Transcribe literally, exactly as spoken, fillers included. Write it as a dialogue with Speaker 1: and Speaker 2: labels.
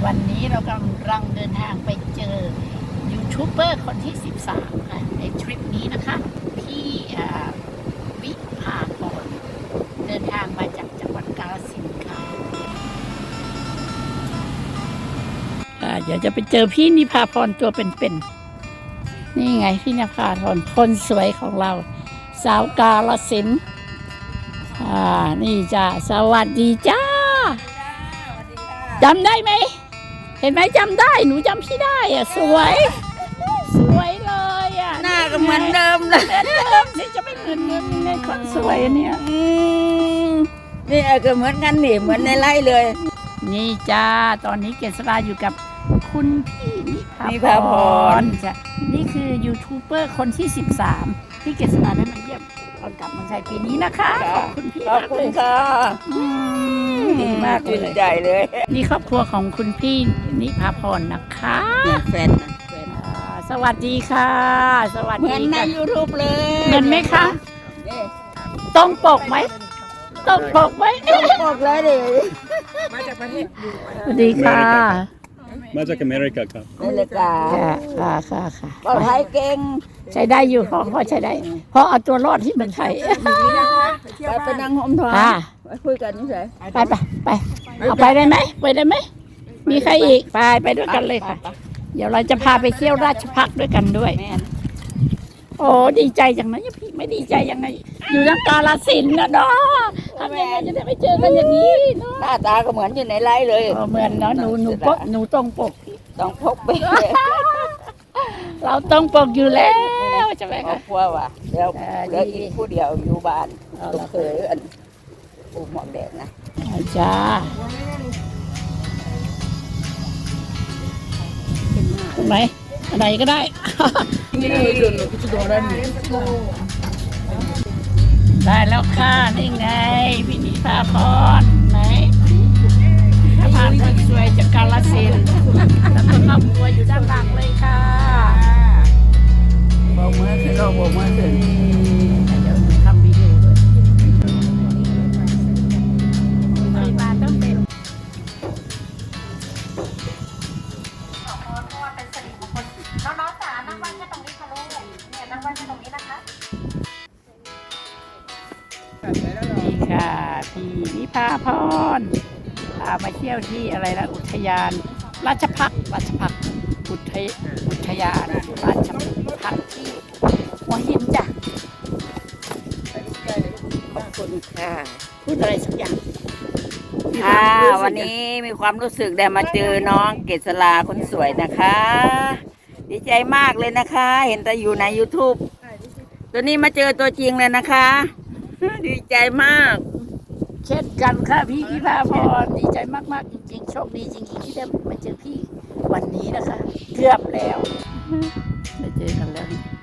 Speaker 1: วันนี้เรากำลังเดินทางไปเจอยูทูบเบอร์คนที่สิบสามค่ะในทริปนี้นะคะพี่วิภาพรเดินทางมาจากจังหวัดกาฬสินธุ์ค่ะเดี๋ยวจะไปเจอพี่นิพาพรตัวเป็นๆนี่ไงพี่นิพาพรคนสวยของเราสาวกาฬสินธุ์อ่านี่จ้าสวัสดีจ้าจำได้ไหมเห็นไหมจำได้หนูจำพี่ได้อ่ะสวยสวยเลยอ่ะ
Speaker 2: หน้าก็เหมือนเดิมเลย
Speaker 1: เหมือนเดิมสิจะไม่เหมือนเดิมยังไงคนสวยเนี่ย
Speaker 2: นี่ก็เหมือนกันนี่เหมือนในไร่เลย
Speaker 1: นี่จ้าตอนนี้เกษราอยู่กับคุณพี่นิพาพรจ้ะนี่คือยูทูบเบอร์คนที่สิบสามที่เกษราได้มาเยี่ยมตอนกลับเมืองไทยปีนี้นะคะขอบคุณพี่
Speaker 2: ขอบคุณค่ะ
Speaker 1: ดีมากเลย
Speaker 2: ใจเลย
Speaker 1: นี่ครอบครัวของคุณพี่นิพาพรนะคะ
Speaker 2: แฟนนะ
Speaker 1: สวัสดีค่ะสวัสดี
Speaker 2: เหมือนในยูทูบเลย
Speaker 1: เหมือนไหมคะต้องปกไหมต้องปกไหม
Speaker 2: ต้องปกเลยดิ
Speaker 1: มาจากประเทศสวัสดีค่ะ
Speaker 3: มาจากอเมริกาครับ
Speaker 2: อเมริกา
Speaker 1: ค่ะค่ะค่ะ
Speaker 2: ภาษาไทยเก่ง
Speaker 1: ใช้ได้อยู่พอพอใช้ได้เพราะเอาตัวรอดที่เมืองไทย
Speaker 2: ไปไปนั่งห้องทองไปคุยกันนี่เฉย
Speaker 1: ไปไปไปเอาไปได้ไหมไปได้ไหมมีใครอีกไปไปด้วยกันเลยค่ะเดี๋ยวเราจะพาไปเที่ยวราชพักด้วยกันด้วยโอ้ดีใจจังนะพี่ไม่ดีใจยังไงอยู่ทางกาฬสินธุ์นะเนาะทำยังไงจะได้ไปเจอกันอย่างนี้เนาะ
Speaker 2: หน้าตาก็เหมือนอยู่ในไร่เลย
Speaker 1: เหมือนเนาะหนูหนูปกหนูตรงปก
Speaker 2: ต้องพกไป
Speaker 1: เราต้องปกอยู่แล้วใช่ไหมคะ
Speaker 2: ครัวว่ะเดี๋ยวเดี๋ยวอีกผู้เดียวอยู่บ้านลูกเคยอันปูหมอกแดดนะ
Speaker 1: จ้าถูกไหมอะไรก็ได้ได้แล้วค่ะนี่ไงพี่นิพาพรไหนถ้าผ่านคนสวยจากกาฬสินธุ์แล้วก็ครอบครัวอยู่ด้านหลังเลยค่ะ
Speaker 2: โบกมือขึ้นโบกมือขึ้น
Speaker 1: เดี๋ยวทำวิดีโอด้วยปริมาณต้องเป็น
Speaker 4: น้องๆจ๋านั่งไหว้แค่ตรงนี้ค่ะลูกเนี่ยนั่งไหว้แค่ตรงนี้นะคะ
Speaker 1: นี่ค่ะพี่นิพาพรพามาเที่ยวที่อะไรนะอุทยานราชพักษ์ราชพักษ์อุทยอุทยานราชพักษ์ที่หัวหินจ้ะ
Speaker 2: ขอบคุณค่ะ
Speaker 1: พูดอะไรสักอย่าง
Speaker 2: ค่ะวันนี้มีความรู้สึกได้มาเจอน้องเกษราคนสวยนะคะดีใจมากเลยนะคะเห็นแต่อยู่ใน ยูทูบ ตัวนี้มาเจอตัวจริงเลยนะคะดีใจมาก
Speaker 1: เช่นกันค่ะพี่นิพาพรดีใจมากๆจริงๆโชคดีจริงๆที่ได้มาเจอพี่วันนี้นะคะเกือบแล้วได้เจอกันแล้ว